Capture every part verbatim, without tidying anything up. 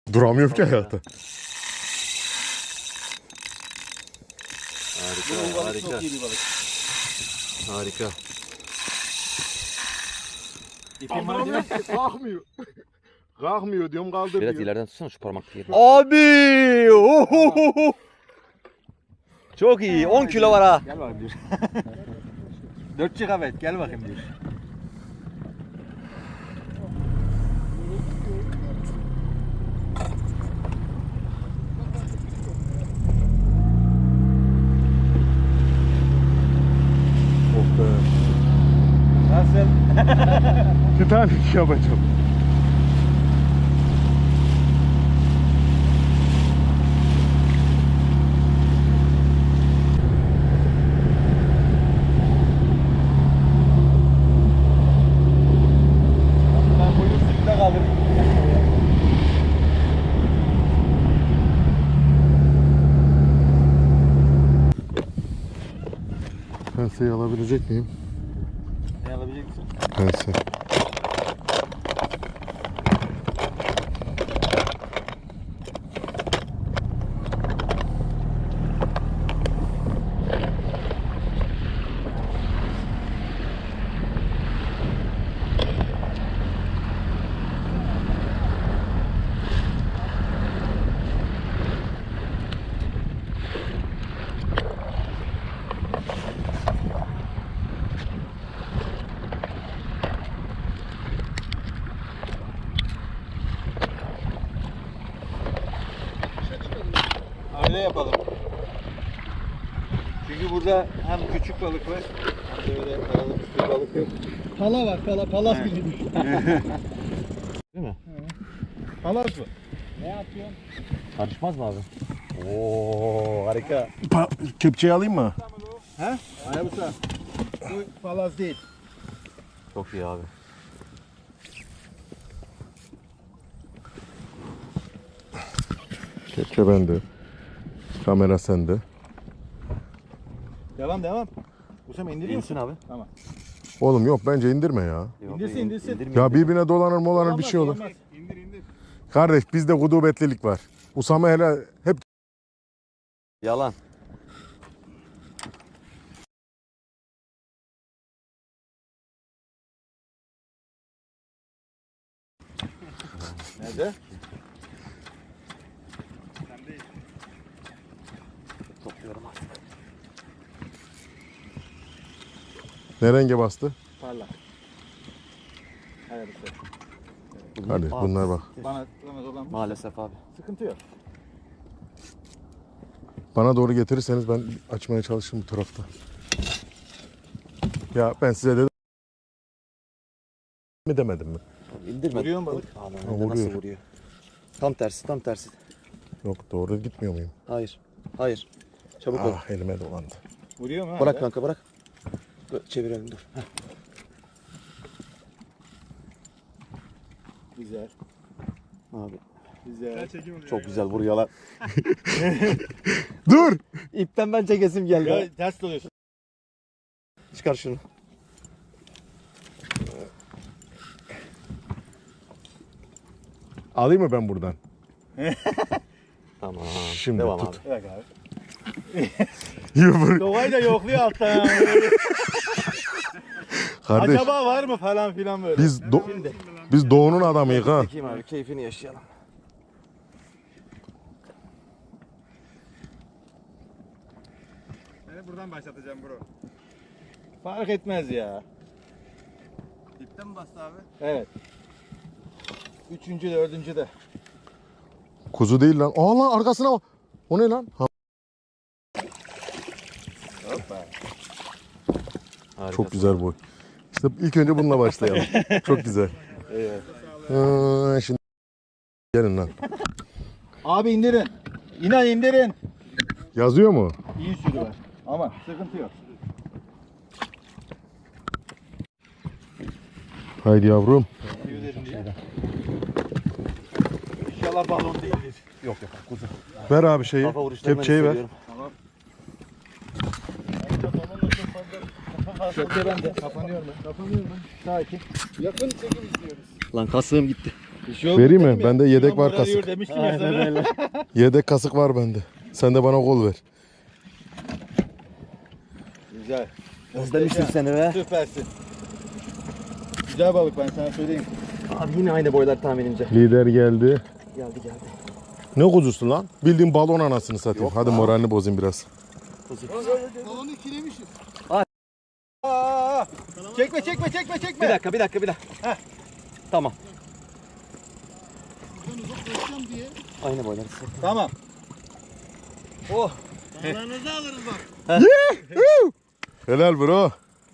Duramıyorum ki hayatta. Harika, harika. Çok iyi bir balık. Harika. İpin var değil mi? Kalkmıyor. Kalkmıyor diyorum kaldır Biraz diyor. ileriden tutsana şu parmak diye. Abi! Ohohoho! Çok iyi. on kilo var ha. Gel bakayım bir. dört gigabayt gel bakayım bir. Oh be. Nasıl? Titanik yapacağım. Ben buyur suyunda kalırım. Penseyi alabilecek miyim? Ne alabilecek misin? Pense. Öyle yapalım. Çünkü burada hem küçük balık var hem de öyle aralık üstü balık yok. Pala var, pala, palas gibi düşün. Değil mi? Palas mı? Ne yapıyorsun? Karışmaz mı abi? Oo harika. Kepçeyi alayım mı? He? Hayabusa. Bu palas değil. Çok iyi abi. Kepçe bende. Kamera sende. Devam devam. Bu sefer indiriyor İnsin musun? abi. Tamam. Oğlum yok bence indirme ya. Yok, İndirsin, in- indirsin. indirmeyin. Ya birbirine dolanır molanır bir şey olur. İndir indir. Kardeş bizde gudubetlilik var. Usame hele hep Yalan. Nerede? Topluyorum artık. ne renge bastı? Parlak. Hayabusa. Kardeş bunlar bak. Bana tutamaz olan Maalesef abi. sıkıntı yok. Bana doğru getirirseniz ben açmaya çalışırım bu tarafta. Ya ben size dedim mi demedim mi? İndirme. Vuruyor mu balık? Aman, Ha, nasıl vuruyor. vuruyor? Tam tersi, tam tersi. Yok doğru gitmiyor muyum? Hayır. Hayır. Çabuk ol. Ah elime dolandı. Vuruyor mu? Bırak hala? kanka bırak. Dur, çevirelim dur. Heh. Güzel. Abi Güzel. çok güzel vuruyorlar. Dur! İpten ben çekesim geldi. Ya ters doluyorsun. Çıkar şunu. Alayım mı ben buradan? Tamam. Şimdi Devam tut. abi. Bırak abi. Yumruk. Kovayı da yokluyor alttan. Kardeş Acaba var mı falan filan böyle. biz do- biz doğunun adamıyız ha. Çekeyim abi keyfini yaşayalım. Beni buradan başlatacağım bro. Fark etmez ya. Dipten mi bastı abi? Evet. Üçüncü de dördüncü de. Kuzu değil lan. Aa lan arkasına bak. O ne lan? Ha, Hoppa. çok güzel boy. İşte ilk önce bununla başlayalım. Çok güzel. Evet. Aa, şimdi gelin lan. Abi indirin. İnan indirin. Yazıyor mu? İyi sürü var. Ama sıkıntı yok. Haydi yavrum. İnşallah balon değildir. Yok yok kuzu. Ver abi şeyi. Kafa vuruşlarından Kepçeyi ver. hissediyorum. Köke bende. Kapanıyor mu? Kapanıyor mu? Sakin. Yakın çekim istiyoruz. Lan kasığım gitti. Bir şey olmadı Vereyim mi? değil Bende yedek Ulan var, moral yiyor kasık. Demiştim ya sana. Yedek kasık var bende. Sen de bana kol ver. Güzel. Özlemiştim seni be. Süpersin. Güzel balık ben sana söyleyeyim. Abi yine aynı boylar tahminimce. Lider geldi. Geldi geldi. Ne kuzusu lan? Bildiğin balon anasını satayım. Hadi moralini bozayım biraz. Balonu ikilemişiz. Aa, çekme çekme çekme çekme. Bir dakika bir dakika bir dakika. Heh. Tamam. Ben uzaklaşacağım diye. Aynı boylar. Tamam. Oh. Dağlarınızı alırız bak. Helal bro.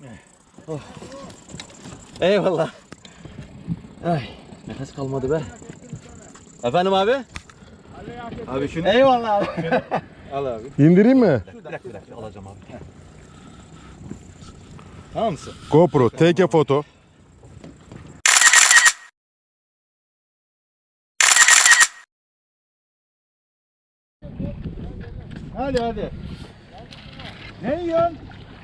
Eyvallah. Ay, nefes kalmadı be. Efendim abi? Abi şunu Eyvallah abi. al abi. İndireyim mi? Bir dakika bir dakika alacağım abi. Tamam mısın? GoPro, take a photo. Hadi hadi. Ne yiyorsun?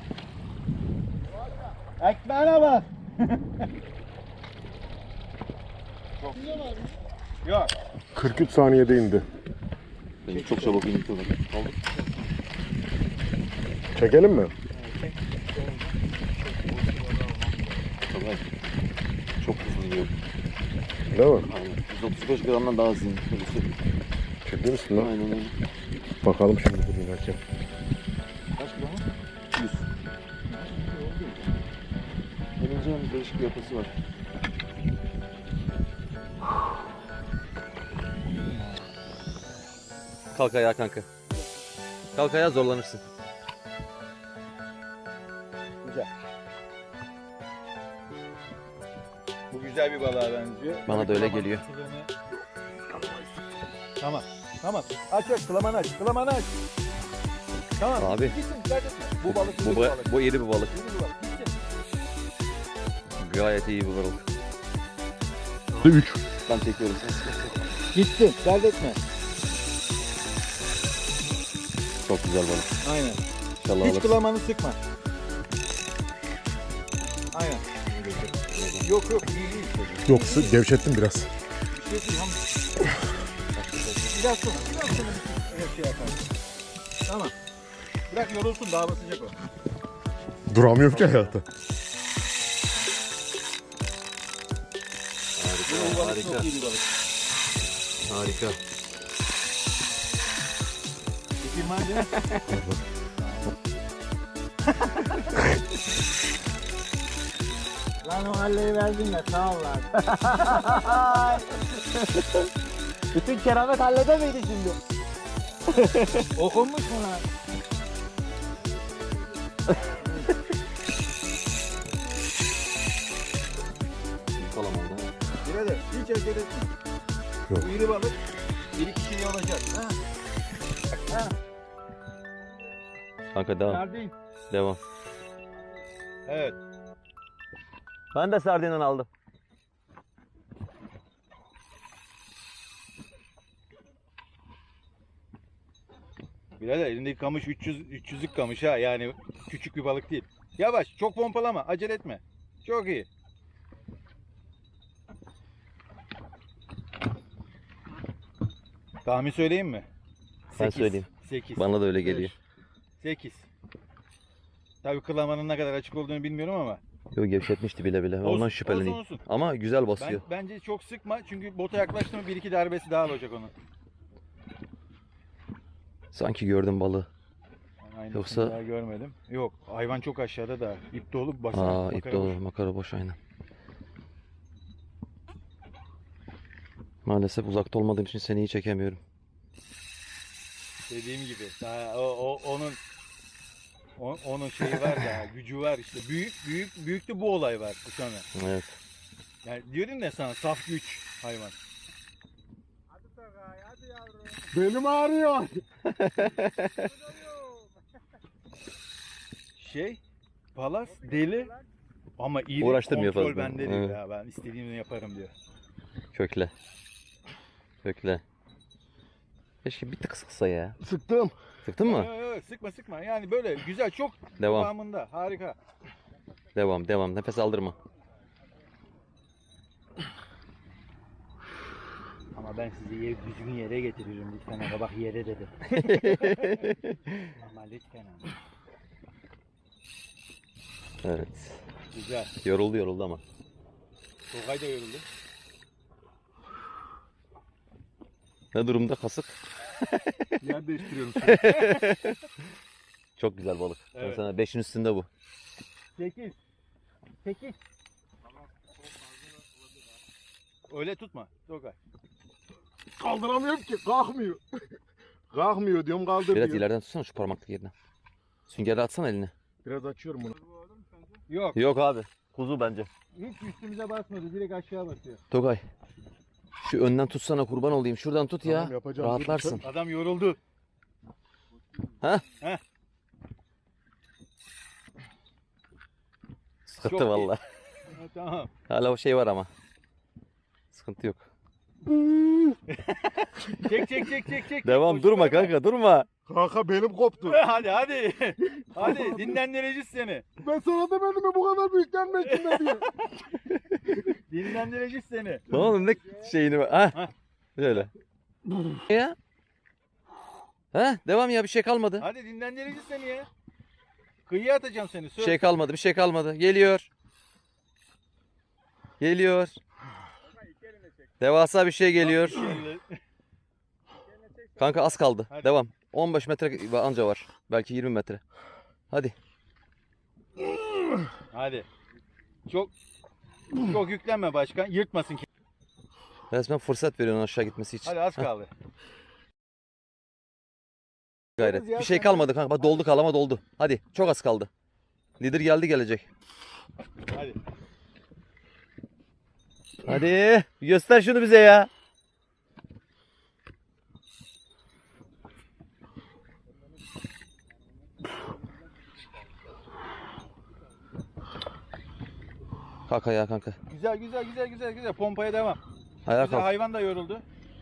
Ekmeğine bak. Yok. kırk üç saniyede indi. Benim çok çabuk indik oldu. Çekelim mi? Tabii. Çok hızlı iniyor. Değil mi? Aynen. yüz otuz beş gramdan daha hızlı iniyor. Öyle söyleyeyim. Ciddi misin lan? Aynen öyle. Bakalım şimdi dur inerken. Kaç gram? yüz. Elince'nin değişik bir yapısı var. Kalk ayağa kanka. Kalk ayağa zorlanırsın. Güzel. Bu güzel bir balığa benziyor. Bana da öyle geliyor. Tamam. Tamam. Aç aç kılamanı aç. Kılamanı aç. Tamam. Abi. Gitsin, dikkat etme. Bu balık Bu, iyi bu, bir balık. bu iri bir balık. İyi bir balık. Gitsin. Gayet iyi bir balık. üç. Ben çekiyorum. Gitsin. Dert etme. Çok güzel balık. Aynen. İnşallah Hiç alırsın. kılamanı sıkma. Aynen. Yok yok iyi değil. Yok gevşettim biraz. Bir şey değil. Ham. Biraz sonra. Biraz sonra bir şey yapar. Tamam. Bırak yorulsun daha basacak o. Duramıyorum ki hayatta. Bu balık Harika. çok iyi bir balık. Harika. İpin var değil mi? Lan o halleyi verdin de sağ ol lan. Bütün keramet hallede miydi şimdi? Okunmuş mu lan? Kalamanda. Birader hiç hareket etme. Yok. Bu iri balık bir iki şey olacak. Ha? Kanka devam. Sardin. Devam. Evet. Ben de sardinden aldım. Birader elindeki kamış üç yüz üç yüzlük kamış ha, yani küçük bir balık değil. Yavaş, çok pompalama, acele etme. Çok iyi. Tahmin söyleyeyim mi? Ben Sekiz. söyleyeyim. sekiz. Bana da öyle geliyor. sekiz. Tabii kılamanın ne kadar açık olduğunu bilmiyorum ama. Yok gevşetmişti bile bile. Olsun, Ondan şüpheleneyim. olsun, olsun. Ama güzel Ben, basıyor. bence çok sıkma çünkü bota yaklaştı mı bir iki darbesi daha olacak onun. Sanki gördüm balığı. Ben aynısını Yoksa- daha görmedim. Yok, hayvan çok aşağıda da ip dolu basar. Aa makara ip boş. dolu. Makara boş aynen. Maalesef uzakta olmadığım için seni iyi çekemiyorum. Dediğim gibi daha o, o onun o- onun şeyi var daha gücü var işte. Büyük büyük büyük de bu olay var bu sana. Evet. Yani diyorum ya sana saf güç hayvan. Benim ağrıyor. Şey Palas deli ama iyi Uğraştırmıyor kontrol fazla. bende diyor Evet. ya, ben istediğimi yaparım diyor. Kökle. Kökle. Keşke bir tık sıksa ya. Sıktım. Sıktın mı? Yok, yok, yok, sıkma sıkma yani böyle güzel çok Devam. kıvamında harika. Devam devam. Nefes aldırma. Ama ben sizi yer, düzgün yere getiriyorum lütfen ama bak yere dedim. Ama lütfen ama. Evet. Güzel. Yoruldu yoruldu ama. Tokay da yoruldu. Ne durumda kasık? Yer değiştiriyorum. Çok güzel balık. Ben Evet. sana beşin üstünde bu. sekiz. sekiz. Öyle tutma Tokay. Kaldıramıyorum ki. Kalkmıyor. Kalkmıyor diyorum kaldır Biraz diyor. ileriden tutsana şu parmaklık yerine. Süngerle atsana elini. Biraz açıyorum bunu. Yok. Yok abi. Kuzu bence. Hiç üstümüze basmadı. Direkt aşağı basıyor. Togay. Şu önden tutsana kurban olayım. Şuradan tut ya. Tamam, yapacağım. Rahatlarsın. Adam yoruldu. Ha? Heh. Sıkıntı Çok iyi. valla. Ha, tamam. Hala o şey var ama. Sıkıntı yok. Çek çek çek çek çek. Devam Koş, durma durma. kanka durma. Kanka benim koptu. Hadi hadi. Hadi dinlendireceğiz seni. Ben sana demedim mi bu kadar büyük gelme içinde diye. Dinlendireceğiz seni. Oğlum ne şeyini var. Ha. Hah. Şöyle. Ya. Ha devam ya bir şey kalmadı. Hadi dinlendireceğiz seni ya. Kıyıya atacağım seni. Bir Söz. şey kalmadı bir şey kalmadı. Geliyor. Geliyor. Devasa bir şey geliyor. Kanka az kaldı. Hadi. Devam. on beş metre anca var. Belki yirmi metre. Hadi. Hadi. Çok çok yüklenme başkan. Yırtmasın ki. Resmen fırsat veriyorsun aşağı gitmesi için. Hadi az kaldı. Gayret. Bir şey kalmadı kanka. Bak doldu kalama doldu. Hadi. Çok az kaldı. Lider geldi gelecek. Hadi. Hadi. Göster şunu bize ya. Kalk ayağa kanka. Güzel güzel güzel güzel güzel. Pompaya devam. Ayağa Güzel, kalk. hayvan da yoruldu.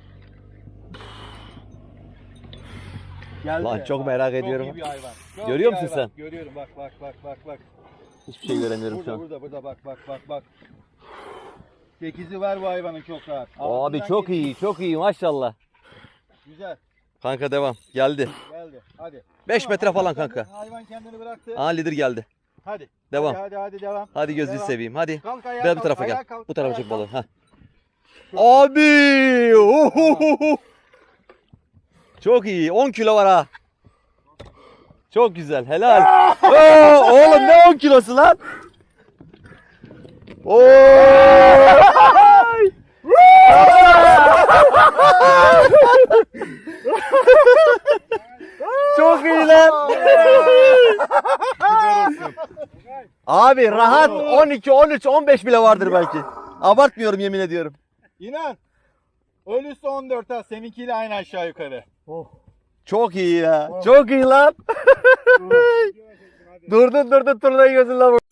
Geldi. Lan çok merak ediyorum. Çok iyi bir hayvan. Çok Görüyor iyi musun hayvan. sen? Görüyorum. Bak bak bak bak bak. Hiçbir şey göremiyorum Burada şu an. burada burada bak bak bak bak. sekizi var bu hayvanın çok rahat. Abi Altından çok geliyor. iyi çok iyi maşallah. Güzel. Kanka devam. Geldi. Geldi. Hadi. beş Tamam, metre hayvan falan kendini- kanka. Hayvan kendini bıraktı. Aa lider geldi. Hadi. Devam. Hadi hadi, hadi devam. Hadi gözünü Devam. seveyim. Hadi. Kalk ayağa Gel kalk, bu tarafa ayağa gel. kalk, Bu tarafa ayağa çek kalk. balığı. Ha. Çok Abi! Ohohoho! Çok iyi. on kilo var ha. Çok güzel. Helal. Oo, oğlum ne on kilosu lan? Oo! Çok iyi lan. Abi rahat on iki, on üç, on beş bile vardır belki. Abartmıyorum yemin ediyorum. İnan. Ölüsü on dört ha. Seninkiyle aynı aşağı yukarı. Çok iyi ya. Çok iyi lan. durdun durdun turnayı gözünle vur.